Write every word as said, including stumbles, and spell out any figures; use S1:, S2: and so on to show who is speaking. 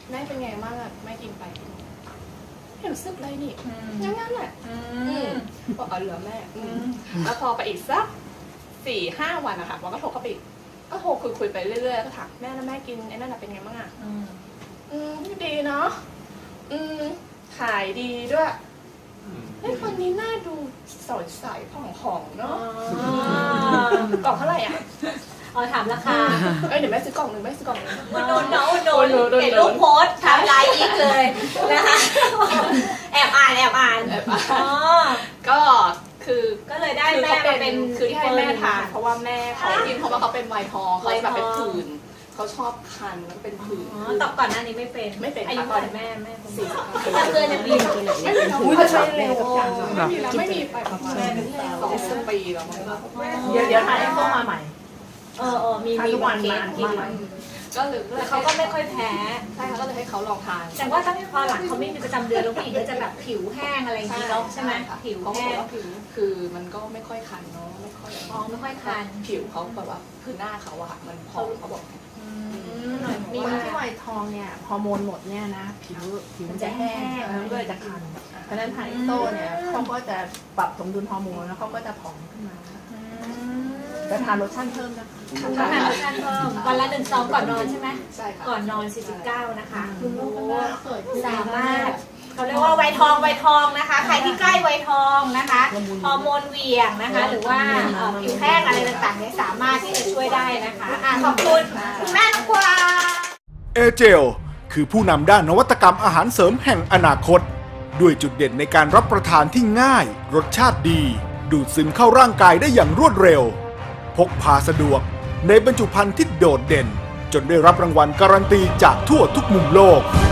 S1: แม่เป็นไงบ้างอะแม่กินไปไม่รู้สึกเลยนี่งั้นงั้นแหละบอกเอาเหลือแม่แล้วพอไปอีกสักสี่ห้าวันอะค่ะวันก็โทรเข้าไปอีกก็โทรคุยคุยไปเรื่อยๆก็ถามแม่แล้วแม่กินไอ้นั่นเป็นไงบ้างอะอืมดีเนาะอืมขายดีด้วยไอ้คนนี้น่าดูสดใสผ่องๆเนาะกล่องเท่าไหร่อ่ะ
S2: อ๋อถามราคา
S1: เอ้ยเดี๋ยวแม่ซื้อกล่องหนึ่งแม่ซื้อกล่องหนึ่ง
S2: อุดหนุนเนาะอุดหนุนเห็นรูปโพสทำไลน์อีกเลยนะคะแอบอ่านแอบอ่านอ๋อ
S1: ก็คือ
S2: ก็เลยได้แม่มาเป็น
S1: คือที่ให้แม่ทานเพราะว่าแม่เขากินเพราะว่าเขาเป็นไวทองเขาแบบเป็นผื่นเขาชอบคันมันเป็นผื่น
S2: อ๋อตอบก่อนหน้านี้ไม่เป็น
S1: ไม่เป็น
S2: อายุเท่าไหร่แม่แม่
S1: สี่สิบ
S2: ห้าเกินยังมี
S1: ไม่มีอุ้ยจะใช้เร็วไม่มีแล้วไม่มีไปประมาณสองสิบปีแล้ว
S3: เดี๋ยวเดี๋ยวถ่ายให้เข้ามาใหม่
S2: เออเออมีมีวันมากิน
S1: ก็เลย
S2: เขาก็ไม่ค่อยแพ้
S1: ใช่ค่ะก็เลยให้เขาลองทาน
S2: แต่ว่าถ้าพอหลังเขาไม่มีประจำเดือนแล้วผู้หญิงก็จะแบบผิวแห้งอะไรอย่างนี้เนาะใช่ไหมผิวแห้ง
S1: คือมันก็ไม่ค่อยคันเนาะไม่ค่อย
S2: อ๋อไม่ค่อยคัน
S1: ผิวเขาแบบว่าคือหน้าเขาอะมันพองเขาบอก
S3: มีคนที่ไวทองเนี่ยฮอร์โมนหมดเนี่ยนะผิวผิวมันจะแห้งแล้วก็จะคันเพราะฉะนั้นไฮโซเนี่ยเขาก็จะปรับสมดุลฮอร์โมนแล้วเขาก็จะผอมขึ้นมาจะทานโลชั่นเพิ่มนะคะ
S2: ทานโลชั่นเพิ่มวันละหนึ่งซองก่อนนอนใช่ไหม
S1: ใช่ค่ะ
S2: ก่อนนอนสี่สิบเก้านะคะสามารถเขาเรียกว่าไวทองไวทองนะคะใครที่ใกล้ไวทองนะคะฮอร์โมนเหวี่ยงนะคะหรือว่าผิวแห้งอะไรต่างๆเนี่ยสามารถที่จะช่วยได้นะคะขอบคุณคุณแม่น้องกวาง
S4: เอเจลคือผู้นำด้านนวัตกรรมอาหารเสริมแห่งอนาคตด้วยจุดเด่นในการรับประทานที่ง่ายรสชาติดีดูดซึมเข้าร่างกายได้อย่างรวดเร็วพกพาสะดวกในบรรจุภัณฑ์ที่โดดเด่นจนได้รับรางวัลการันตีจากทั่วทุกมุมโลก